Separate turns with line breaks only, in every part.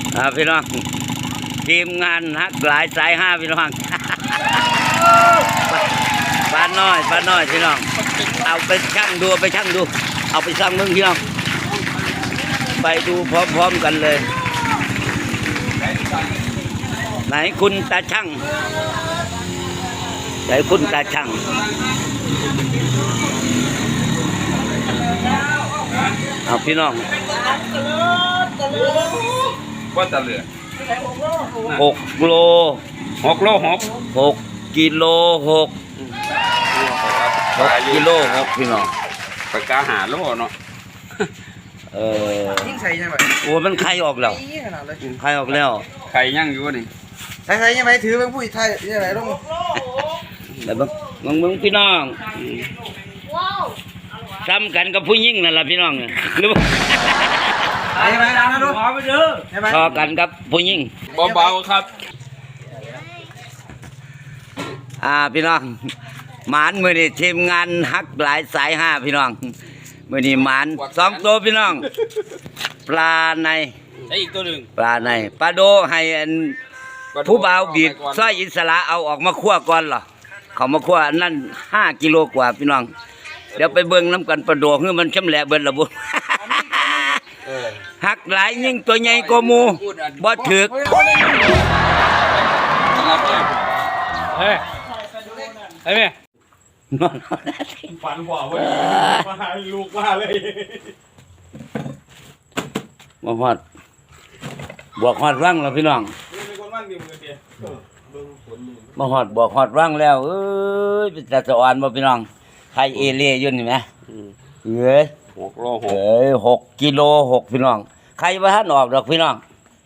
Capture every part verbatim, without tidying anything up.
อ่าพี่น้องทีมงานฮักหลายสายห้าพี่น้องบ้านน้อยบ้านน้อยพี่น้องเอาไปช่างดูไปช่างดูเอาไปช่างมึงพี่น้องไปดูพร้อมๆกันเลยไหนคุณตาช่างไหนคุณตาช่างเอาพี่น้อง
ว่าจะเหลือ
หกโล
หกโลหก
หกกิโลหกหกกิโลหกพี่น้อง
ปากกาหาโลเนาะ
เออ
ยิ่งใส่ยังไง
โอ้มันไข่ออกแล้วไข่ออกแล้ว
ไข่ย่างอยู่นี่
ใส่ใส่ยังไงถือเป็นผู้ไทยยังไงลง
แล้วมึงมึงพี่น้องซ้ำกันกับผู้หญิงนั่นแหละพี่น้องหรือว่า
ยังไงนะดูขอไปเด้อ
พอกันกับผู้หญิง
เบาๆครับ
อ่าพี่น้องหมานมือนี่ทีมงานฮักหลายสายห้าพี่น้องมือนี่หมานสองตัวพี่น้องปลาใน
อีกตัวหนึ่ง
ปลาในปลาโดให้อันผู้บ่าวบีดสร้อยอิสระเอาออกมาคั่วก่อนเหรอเขามาคั่วนั่นห้ากิโลกว่าพี่น้องเดี๋ยวไปเบิ่งน้ำกันปลาโดคือมันช่ำแหละเบิ่นละบุหักหลายยิ่งตัวใหญ่กว่าหมูบ่ถึก
เฮ้ยเฮ้ย
ฝันกว่าเว้ยมาลูกมาเลย
บ่ฮอดบวกฮอดรังแล้วพี่น้องบ่ฮอดบวกฮอดรังแล้วเอ้ยเป็นตาสะอ่อนบ่พี่น้องไข่เอเล่อยู่นี่แหมเอ้ย
หกโลหก
เอ้ยหกกิโลหกพี่น้องไข่บ่ทันออกดอกพี่น้อง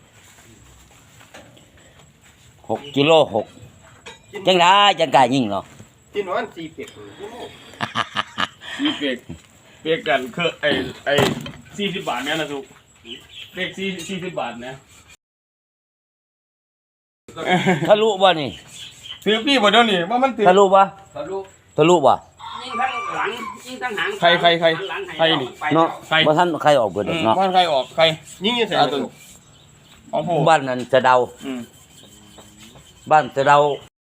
หกกิโลหกจังได้จังกายยิ่งเนาะ
กินวันสี่เปียก
สี่เปียกเปียกกันคือไอไอสี่สิบบาทเนี่ยนะทุกเปียกสี่สี่สิบบาทเนี่ย
ทะลุบ่นี่
ถือพี่บ่เดี๋ยวนี้ว่ามันถือ
ทะลุบ่
ทะลุ
ทะลุบ่
ยิงทั้งหลังยิงทั้งหางใครใครใครใครนี่
เนาะบ่ทันใครออกเบิดเนาะ
บ้านใครออกใครยิงยังใส่ตัวของผม
บ้านนั้นจะเดาบ้านจะเดา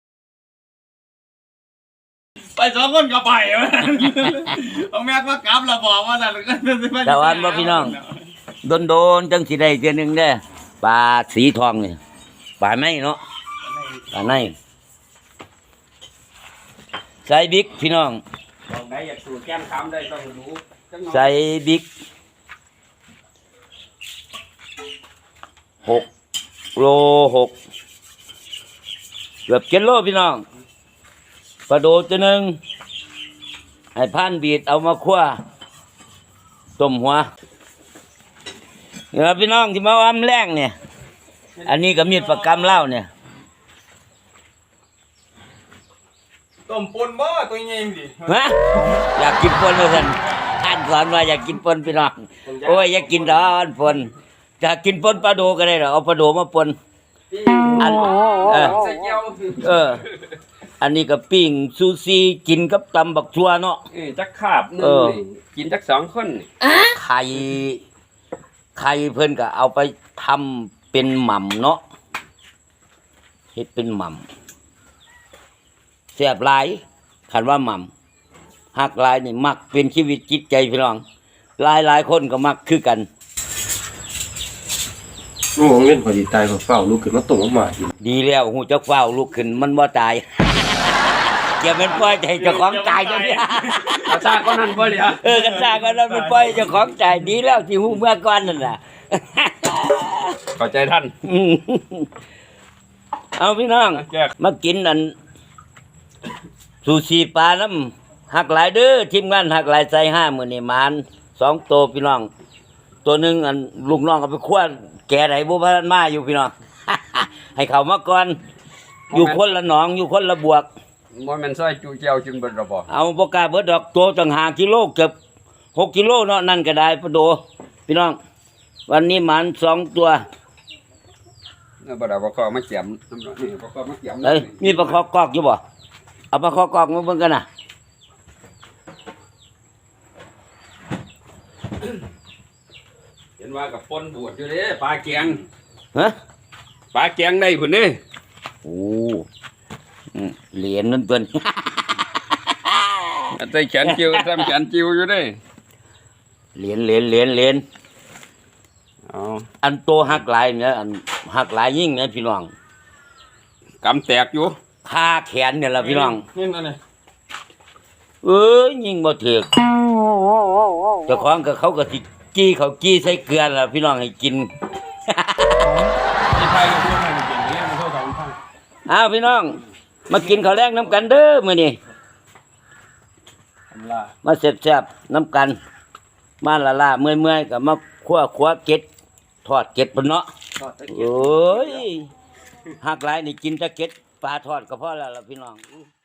ไปสองคนก็ไปเอาแม่ก็กลับแล้วบอกว่าแต่
แต่วันบ่พี่น้องโดนโดนจังสิได้เดือนหนึ่งได้ปลาสีทองนี่ปลาไหนเนาะปลาไหนใส่บิ๊กพี่น้อง
บอกได้อยากสูดแก้มคำได้ต้องรู้
ใส่บิ๊กหกโลหกเกือบเจ็ดโลพี่น้องปลาโดตัวหนึ่งให้พันบีดเอามาคั่วต้มหัวเนี่ยพี่น้องที่มาอ้ำแรงเนี่ยอันนี้ก็มีดประกำเล่าเนี่ย
ต้มปนบ่ตัวใหญ่ดิ
ฮะอยากกินปนเลยท่านท่านสอนว่าอยากกินปนพี่น้องโอ้ยอยากกินร้อนปนจะกินปนปลาโดก็ได้หรอเอาปลาโดมาปนอันเออเอออันนี้ก็ปิ้งซูซีกินกับตำบักชัวเนาะ
จักขาบนึงกินจักสองคน
ไข่ไข่เพิ่นก็เอาไปทำเป็นหม่ำเนาะเฮ็ดเป็นหม่ำแซ่บหลายคันว่าหม่ำฮักหลายนี่มักเป็นชีวิตจิตใจพี่น้องหลายหลายคนก็มักคือกัน
โอ้เล่นพอดีตายพอเฝ้าลุกขึ้นมาตกมา
ดีแล้วหูจักเฝ้าลุกขึ้นมันบ่ตายอย่าเป็นปล่อยใจเจ้าของตายจังซี่
กระซ่าก็นั่นบ่เลยฮะ
เออกระซ่าก็นั่นมันปล่อยเจ้าของตายดีแล้วที่ฮู้เมื่อก่อนนั่นน่ะ
เข้าใจท่าน
เอาพี่น้องมากินอันซูชิปลาน้ำหักหลายเด้อทีมงานหักหลายใจห้ามื้อนี่หมานสองตัวพี่น้องตัวนึงอันลูกน้องเอาไปคั่วแก่ไหนบ่พันมาอยู่พี่น้องให้เขามาก่อนอยู่คนละหนองอยู่คนละบวก
บ่แม่นซอยจูเจียวจึงเบิดระบ่
เอาบ่กล้าเบิดดอกตัวตั้งห้ากิโลเกือบหกกิโลเนาะนั่นก็ได้ปะโดพี่น้องวันนี้หมานสองตัว
เออบ่ได้บ่ขอมาเจียมน้ำนี่บ่ขอมาเจียม
เอ้ยมีปลาคอกอกอยู่บ่เอาปลาคอกอกมาเบิ่งกันน่ะ
เห็นว่ากับปนบวชอยู่เด้ปลาเกียง
ฮะ
ปลาแกงได้พุ่นเด้
โอ้อืมเหรียญนั่นตัวนี้
อันใส่แขนจิวทำแขนจิวอยู่เด้
เหรียญเหรียญเหรียญเหรียญ
เอา
อันโตหักหลายเนี่ยอันหักหลายยิ่งเนี่ยพี่น้อง
กำแตกอยู่
คาแขนเนี่ยล่ะพี่น้อง
นี่นั่นน่ะ
เอ้ยยิ่งบ่ถือกเจ้าของก็เขาก็สิกี้เขากี้ใส่เกลือล่ะพี่น้องให้กิน
ไอ้ไทยก็พูดให้มันเก่งเรียกมันโทษสองพัน
อ้าวพี่น้อง มากินข้าวแรงน้ำกันเด้อมื้อนี้
ทำลา
มาแซ่บๆน้ำกัน มาละล่าเมื่อยๆก็มาคั่วขัวเก็ดทอดเก็ดพุ่นเนาะ
ทอดตะเกียบ
โอ้ยหักหลายนี่กินแต่เก็ดปลาทอดก็พอแล้วล่ะพี่น้อง